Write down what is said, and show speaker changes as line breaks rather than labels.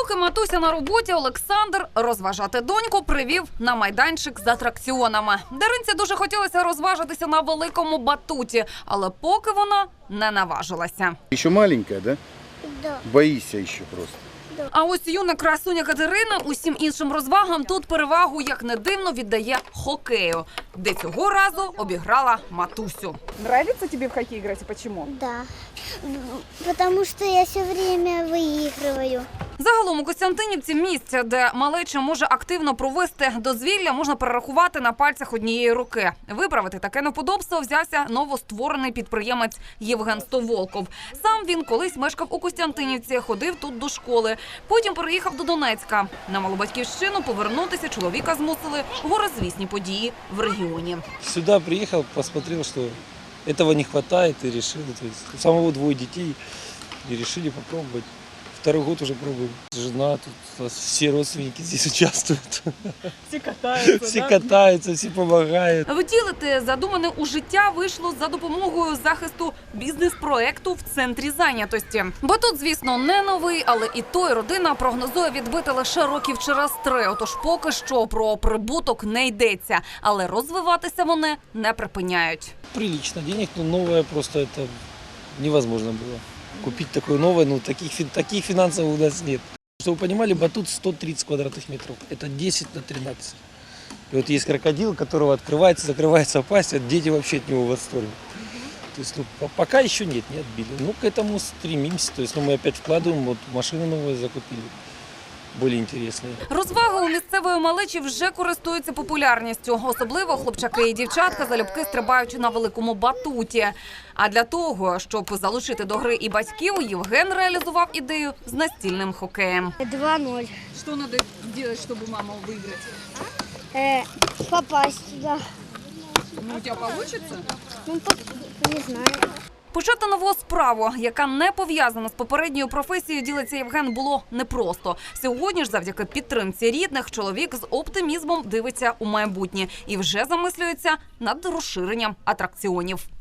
Поки матуся на роботі, Олександр розважати доньку привів на майданчик з атракціонами. Даринці дуже хотілося розважитися на великому батуті, але поки вона не наважилася.
Еще маленькая, да?
Да.
Боишься еще просто.
А ось юна красуня Катерина усім іншим розвагам тут перевагу, як не дивно, віддає хокею, де цього разу обіграла матусю.
Нравится тебе в хоккей играть и почему?
Да. Потому что я все время выигрываю.
Загалом у Костянтинівці місця, де малеча може активно провести дозвілля, можна перерахувати на пальцях однієї руки. Виправити таке неподобство взявся новостворений підприємець Євген Стоволков. Сам він колись мешкав у Костянтинівці, ходив тут до школи. Потім переїхав до Донецька. На малу батьківщину повернутися чоловіка змусили горизвісні події в регіоні.
Сюда приехал, посмотрел, что этого не хватает и решил. То есть у самого 2 детей и решили попробовать. 2-й год уже пробуем. Жена, тут у нас все родственники здесь участвуют.
Все катаются,
Все катаются, все помогают.
Втілити задумане у життя вийшло за допомогою захисту бізнес-проекту в центрі зайнятості. Бо тут, звісно, не новий, але і той родина прогнозує відбити лише років через 3. Отож поки що про прибуток не йдеться. Але розвиватися вони не припиняють.
Прилично денег, но новое просто это невозможно было. Купить такое новое, ну таких финансов у нас нет. Чтобы вы понимали, батут 130 квадратных метров. Это 10 на 13. И вот есть крокодил, которого открывается, закрывается пасть, а дети вообще от него в восторге. То есть пока еще нет, не отбили. Ну, к этому стремимся. То есть мы опять вкладываем, вот машины новые закупили. Більш інтересні.
Розваги у місцевої малечі вже користуються популярністю. Особливо хлопчаки і дівчатка залюбки стрибають на великому батуті. А для того, щоб залучити до гри і батьків, Євген реалізував ідею з настільним хокеєм.
2-0.
Что надо делать, чтобы маму выиграть?
Попасть туда.
Ну, у тебя получится?
Ну, не знаю.
Почати нову справу, яка не пов'язана з попередньою професією, ділиться Євген, було непросто. Сьогодні ж завдяки підтримці рідних чоловік з оптимізмом дивиться у майбутнє і вже замислюється над розширенням атракціонів.